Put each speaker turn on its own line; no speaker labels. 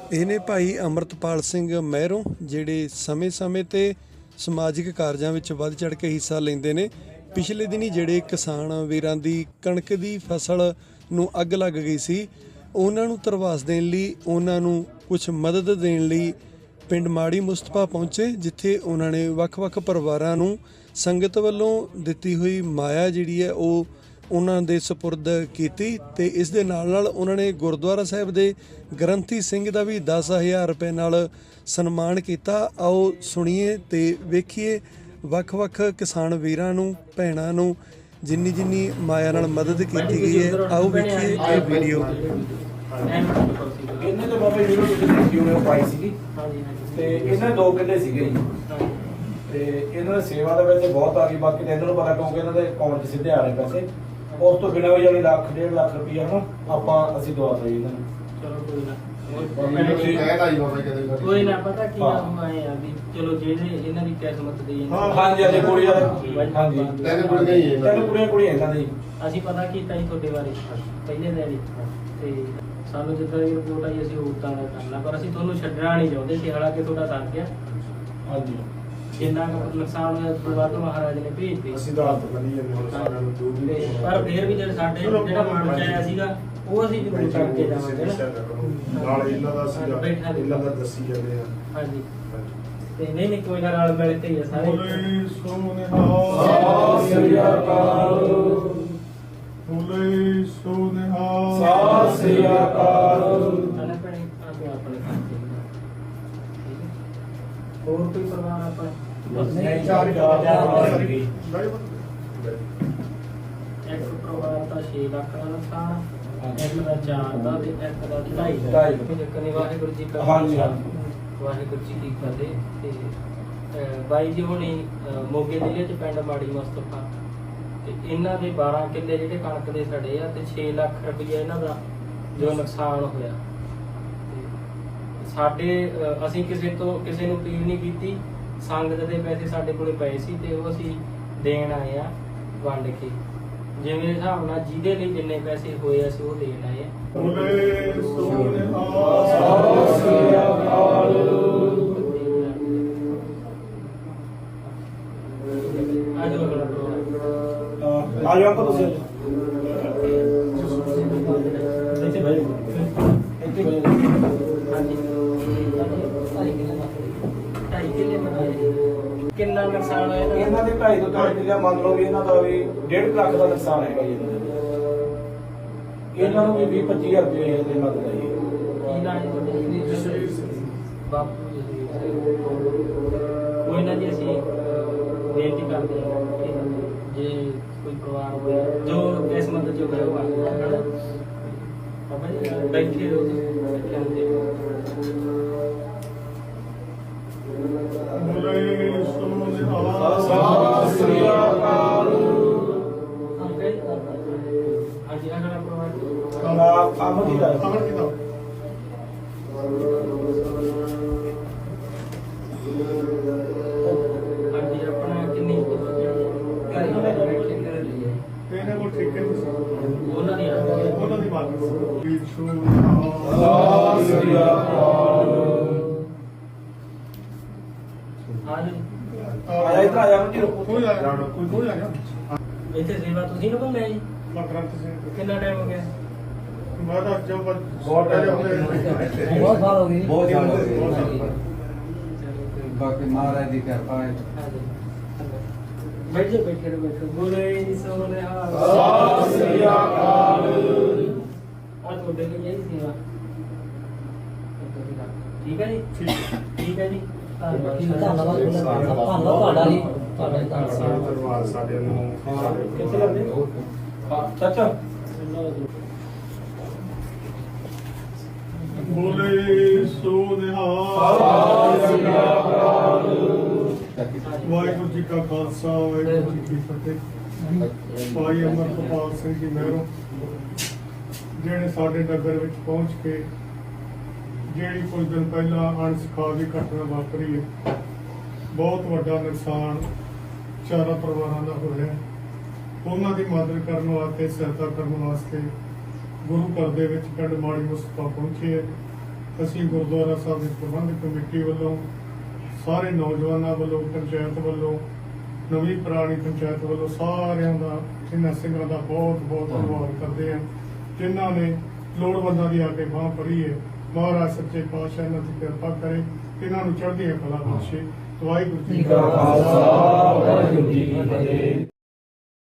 ਇਹ ਨੇ ਭਾਈ ਅੰਮ੍ਰਿਤਪਾਲ ਸਿੰਘ ਮਹਿਰੋਂ, ਜਿਹੜੇ ਸਮੇਂ-ਸਮੇਂ 'ਤੇ ਸਮਾਜਿਕ ਕਾਰਜਾਂ ਵਿੱਚ ਵੱਧ ਚੜ੍ਹ ਕੇ ਹਿੱਸਾ ਲੈਂਦੇ ਨੇ। ਪਿਛਲੇ ਦਿਨੀ ਜਿਹੜੇ ਕਿਸਾਨ ਵੀਰਾਂ ਦੀ ਕਣਕ ਦੀ ਫਸਲ ਨੂੰ ਅੱਗ ਲੱਗ ਗਈ ਸੀ, ਉਹਨਾਂ ਨੂੰ ਧਰਵਾਸ ਦੇਣ ਲਈ, ਉਹਨਾਂ ਨੂੰ ਕੁਝ ਮਦਦ ਦੇਣ ਲਈ ਪਿੰਡ ਮਾੜੀ ਮੁਸਤਫਾ ਪਹੁੰਚੇ, ਜਿੱਥੇ ਉਹਨਾਂ ਨੇ ਵੱਖ-ਵੱਖ ਪਰਿਵਾਰਾਂ ਨੂੰ ਸੰਗਤ ਵੱਲੋਂ ਦਿੱਤੀ ਹੋਈ ਮਾਇਆ ਜਿਹੜੀ ਹੈ ਉਹ ਉਹਨਾਂ ਦੇ ਸਪੁਰਦ ਕੀਤੀ। ਤੇ ਇਸ ਦੇ ਨਾਲ ਉਹਨਾਂ ਨੇ ਗੁਰਦੁਆਰਾ ਸਾਹਿਬ ਦੇ ਗ੍ਰੰਥੀ ਸਿੰਘ ਦਾ ਵੀ 10,000 ਰੁਪਏ ਨਾਲ ਸਨਮਾਨ ਕੀਤਾ। ਆਓ ਸੁਣੀਏ ਤੇ ਵੇਖੀਏ ਵੱਖ-ਵੱਖ ਕਿਸਾਨ ਵੀਰਾਂ ਨੂੰ, ਭੈਣਾਂ ਨੂੰ ਜਿੰਨੀ ਮਾਇਆ ਨਾਲ ਮਦਦ ਕੀਤੀ ਗਈ ਹੈ। ਆਓ ਵੇਖੀਏ ਇਹ ਵੀਡੀਓ।
ਇਹਨੇ ਤਾਂ ਬਾਬਾ ਜੀ ਨੂੰ ਦੇਖੀ ਉਹਨੇ ਪਾਈ ਸੀਗੀ ਤੇ ਇਹਨਾਂ 2 ਕਿੱਲੇ ਸੀਗੇ ਜੀ, ਤੇ ਇਹਨਾਂ ਦੀ ਸੇਵਾ ਦੇ ਵਿੱਚ ਬਹੁਤ ਆ ਗਈ। ਬਾਕੀ ਤਾਂ ਇਹਨਾਂ ਨੂੰ ਪਤਾ ਕਿਉਂਕਿ ਇਹਨਾਂ ਦੇ ਅਕਾਊਂਟ 'ਚ ਸਿੱਧੇ ਆ ਰਹੇ ਪੈਸੇ। ਉਸ ਤੋਂ ਬਿਨਾਂ ਵੀ ਜਾਨੀ ਲੱਖ 1.5 ਲੱਖ ਰੁਪਈਆ ਨਾ ਅਸੀਂ ਦਵਾ ਦਈਏ ਇਹਨਾਂ ਨੂੰ।
ਚਲੋ ਕੋਈ ਨਾ,
ਕੋਈ ਨਾ ਪਤਾ ਕੀ ਨਾਮ ਆਏ ਆ ਵੀ ਚਲੋ ਜਿਹੜੇ ਇਹਨਾਂ ਦੀ ਕਿਸਮਤ ਦੀ
ਹਾਂਜੀ ਹਾਂਜੀ ਕੁੜੀਆਂ ਹਾਂਜੀ ਤਿੰਨ ਕੁੜੀਆਂ ਇਹਨਾਂ ਦੀ
ਅਸੀਂ ਪਤਾ ਕੀਤਾ ਜੀ ਤੁਹਾਡੇ ਬਾਰੇ ਪਹਿਲੇ ਦਿਨ ਹੀ, ਤੇ ਸਾਨੂੰ ਜਿੱਦਾਂ ਦੀ ਰਿਪੋਰਟ ਆਈ ਅਸੀਂ ਉਦਾਂ ਦਾ ਕਰਨਾ, ਪਰ ਅਸੀਂ ਤੁਹਾਨੂੰ ਛੱਡਣਾ ਨਹੀਂ ਚਾਹੁੰਦੇ ਸੀ। ਹਾਲਾਂਕਿ ਤੁਹਾਡਾ ਸਰ ਗਿਆ,
ਹਾਂਜੀ
ਜਿੰਨਾ ਕੁ ਨੁਕਸਾਨ ਹੋਇਆ ਦੁਬਾਰਾ ਤੋਂ ਮਹਾਰਾਜ ਨੇ ਭੇਜ ਦਿੱਤੀ।
ਅਸੀਂ ਤਾਂ ਹੱਥ ਬੰਨੀ ਜਾਂਦੇ ਹੁਣ ਸਾਰਿਆਂ ਨੂੰ ਜੋ ਵੀ,
ਪਰ ਫਿਰ ਵੀ ਜਿਹੜੇ ਸਾਡੇ ਜਿਹੜਾ ਮਨ ਚ ਆਇਆ ਸੀਗਾ ਉਹ ਅਸੀਂ ਜ਼ਰੂਰ ਕਰਕੇ ਜਾਵਾਂਗੇ ਨਾ।
ਨਾਲ ਇਹਨਾਂ ਦਾ ਅਸੀਂ ਇਹਨਾਂ ਦਾ ਦੱਸੀ ਜਾਂਦੇ ਆ।
ਹਾਂਜੀ ਤੇ ਨਹੀਂ ਕੋਈ ਨਾ, ਨਾਲ ਮਿਲ ਕੇ ਹੀ ਆ ਸਾਰੇ।
ਸਤਿ ਸ੍ਰੀ ਅਕਾਲ, ਸਤਿ ਸ੍ਰੀ ਅਕਾਲ।
ਹੋਰ ਕੋਈ ਪਰਿਵਾਰ ਆਪਾਂ
ਨਹੀਂ, 4 ਪਰਿਵਾਰ ਸੀਗੇ।
ਇੱਕ ਪਰਿਵਾਰ ਦਾ 6 ਲੱਖ ਦਾ ਨੁਕਸਾਨ, ਇੱਕ ਦਾ 4 ਦਾ ਤੇ ਇੱਕ ਦਾ 2.5 ਦਾ।
ਢਾਈ।
ਵਾਹਿਗੁਰੂ ਜੀ ਕਾ
ਹਾਂਜੀ,
ਵਾਹਿਗੁਰੂ ਜੀ ਕੀ ਫਤਿਹ। ਤੇ ਬਾਈ ਜੀ ਹੁਣੀ ਮੋਗੇ ਜ਼ਿਲ੍ਹੇ ਚ ਪਿੰਡ ਮਾੜੀ ਮੁਸਤਫਾ, ਤੇ ਇਹਨਾਂ ਦੇ 12 ਕਿੱਲੇ ਜਿਹੜੇ ਕਣਕ ਦੇ ਸੜੇ ਆ, ਤੇ 6 ਲੱਖ ਰੁਪਈਆ ਇਹਨਾਂ ਦਾ ਜੋ ਨੁਕਸਾਨ ਹੋਇਆ। ਤੇ ਸਾਡੇ ਅਸੀਂ ਕਿਸੇ ਨੂੰ ਅਪੀਲ ਨਹੀਂ ਕੀਤੀ, ਸੰਗਤ ਦੇ ਪੈਸੇ ਸਾਡੇ ਕੋਲੇ ਪਏ ਸੀ ਤੇ ਉਹ ਅਸੀਂ ਦੇਣ ਆਏ ਆ ਵੰਡ ਕੇ, ਜਿਵੇਂ ਹਿਸਾਬ ਨਾਲ ਜਿਹਦੇ ਲਈ ਜਿੰਨੇ ਪੈਸੇ ਹੋਏ ਅਸੀਂ ਉਹ ਦੇਣ ਆਏ ਆ।
ਆ ਜਾਓ ਆਪਾਂ ਤੁਸੀਂ ਇੱਥੇ ਬੈਠੋ, ਇੱਥੇ ਬੈਠੋ।
ਹਾਂਜੀ 2.5 ਕਿੱਲੇ ਬਣਾਏ। ਕਿੰਨਾ ਨੁਕਸਾਨ ਹੋਇਆ
ਇਹਨਾਂ ਦੇ 2.5 ਤੋਂ 3 ਕਿੱਲੇ ਮੰਨ ਲਓ ਵੀ ਇਹਨਾਂ ਦਾ ਵੀ 1.5 ਲੱਖ ਦਾ ਨੁਕਸਾਨ ਹੈਗਾ ਜੀ ਇਹਨਾਂ ਦਾ। ਇਹਨਾਂ ਨੂੰ ਵੀ 20-25 ਹਜ਼ਾਰ ਰੁਪਏ ਦੇ ਮਦਦ ਆਈ ਹੈ।
ਕੀ ਨਾਂ ਜੀ ਤੁਹਾਡੇ? ਬਾਪੂ ਜੀ। ਕੋਈ ਨਾ ਜੀ, ਅਸੀਂ ਬੇਨਤੀ ਕਰਦੇ ਹਾਂ ਕਿ ਜੇ ਕੋਈ ਪਰਿਵਾਰ ਹੋਇਆ ਜੋ ਕਿਸਮਤ ਚ ਹੋਇਆ ਉਹ ਆ ਜਾਣਾ। ਬਾਬਾ ਜੀ ਬੈਠੇ ਰਹੋ ਜੀ, ਬੈਠੇ ਹੁੰਦੇ
ਸਤਿ ਸ੍ਰੀ ਅਕਾਲ।
ਹਾਂਜੀ ਅਗਲਾ ਪਰਿਵਾਰ
ਅਮਨ ਕੀ ਦਾ
ਹਾਂਜੀ ਆਪਣਾ ਕਿੰਨੀ
ਇਹਨਾਂ ਕੋਲ ਠੇਕੇ
ਉਹਨਾਂ ਦੀ
ਉਹਨਾਂ ਦੀ ਬਾਤ ਸਤਿ ਸ੍ਰੀ ਅਕਾਲ।
ਹਾਂਜੀ
ਆਇਆ ਇਧਰ ਆਇਆ ਮੁੰਡੀ ਕੋਈ ਆ ਗਿਆ
ਇੱਥੇ ਸੇਵਾ ਤੁਸੀਂ ਨਾ ਬੰਦੇ ਜੀ?
ਮਕਰੰਤ ਸਿੰਘ
ਕਿੰਨਾ ਟਾਈਮ ਹੋ ਗਿਆ?
ਮੈਂ ਤਾਂ ਜੋ ਬਹੁਤ ਟਾਈਮ ਹੋ ਗਿਆ,
ਬਹੁਤ ਸਾਲ ਹੋ ਗਏ।
ਬਹੁਤ ਸਾਲ ਹੋ ਗਏ।
ਬਾਕੀ ਮਹਾਰਾਜ ਦੀ ਕਿਰਪਾ ਹੈ।
ਬੈਠੋ ਬੋਲੇ ਸੋਨਿਹਾ
ਸਤਿ ਸ੍ਰੀ ਅਕਾਲ।
ਆ ਤੁਹਾਡੇ ਲਈ ਇਹ ਸੇਵਾ ਠੀਕ ਹੈ ਜੀ? ਠੀਕ ਹੈ ਜੀ। ਧੰਨਵਾਦ ਤੁਹਾਡਾ ਜੀ।
ਪਰਿਵਾਰ ਸਾਡੇ ਨੂੰ
ਕਿੱਥੇ ਲੱਗਦੇ?
ਚਾਚਾ
ਬੋਲੇ ਸੋ ਨਿਹਾਲ।
ਸਤਿ ਸ੍ਰੀ ਅਕਾਲ।
ਵਾਹਿਗੁਰੂ ਜੀ ਕਾ ਖਾਲਸਾ, ਵਾਹਿਗੁਰੂ ਜੀ ਕੀ ਫਤਿਹ। ਭਾਈ ਅੰਮ੍ਰਿਤਪਾਲ ਸਿੰਘ ਜੀ ਮਹਿਰੋਂ, ਜਿਹੜੇ ਸਾਡੇ ਨਗਰ ਵਿੱਚ ਪਹੁੰਚ ਕੇ ਜਿਹੜੀ ਕੁਝ ਦਿਨ ਪਹਿਲਾਂ ਅਣਸੁਖਾਵੀ ਘਟਨਾ ਵਾਪਰੀ ਹੈ, ਬਹੁਤ ਵੱਡਾ ਨੁਕਸਾਨ 4 ਪਰਿਵਾਰਾਂ ਦਾ ਹੋਇਆ। ਉਹਨਾਂ ਦੀ ਮਦਦ ਕਰਨ ਵਾਸਤੇ, ਸਹਾਇਤਾ ਕਰਨ ਵਾਸਤੇ ਗੁਰੂ ਘਰ ਦੇ ਵਿੱਚ ਪਿੰਡ ਮਾੜੀ ਮੁਸਤਫਾ ਪਹੁੰਚੇ ਹੈ ਅਸੀਂ ਗੁਰਦੁਆਰਾ ਸਾਹਿਬ ਦੀ ਪ੍ਰਬੰਧਕ ਕਮੇਟੀ ਵੱਲੋਂ, ਸਾਰੇ ਨੌਜਵਾਨਾਂ ਵੱਲੋਂ, ਪੰਚਾਇਤ ਵੱਲੋਂ, ਨਵੀਂ ਪੁਰਾਣੀ ਪੰਚਾਇਤ ਵੱਲੋਂ ਸਾਰਿਆਂ ਦਾ ਇਹਨਾਂ ਸਿੰਘਾਂ ਦਾ ਬਹੁਤ ਬਹੁਤ ਧੰਨਵਾਦ ਕਰਦੇ ਹਾਂ, ਜਿਨ੍ਹਾਂ ਨੇ ਲੋੜਵੰਦਾਂ ਦੀ ਆ ਕੇ ਬਾਂਹ ਫੜੀ ਹੈ। ਮਹਾਰਾਜ ਸੱਚੇ ਪਾਤਸ਼ਾਹ ਇਹਨਾਂ ਦੀ ਕਿਰਪਾ ਕਰੇ, ਇਹਨਾਂ ਨੂੰ ਚੜ੍ਹਦੀਆਂ ਕਲਾ ਬਖਸ਼ੇ। ਵਾਹਿਗੁਰੂ ਜੀ ਕਾ ਖਾਲਸਾ, ਵਾਹਿਗੁਰੂ ਜੀ ਕੀ ਫਤਿਹ।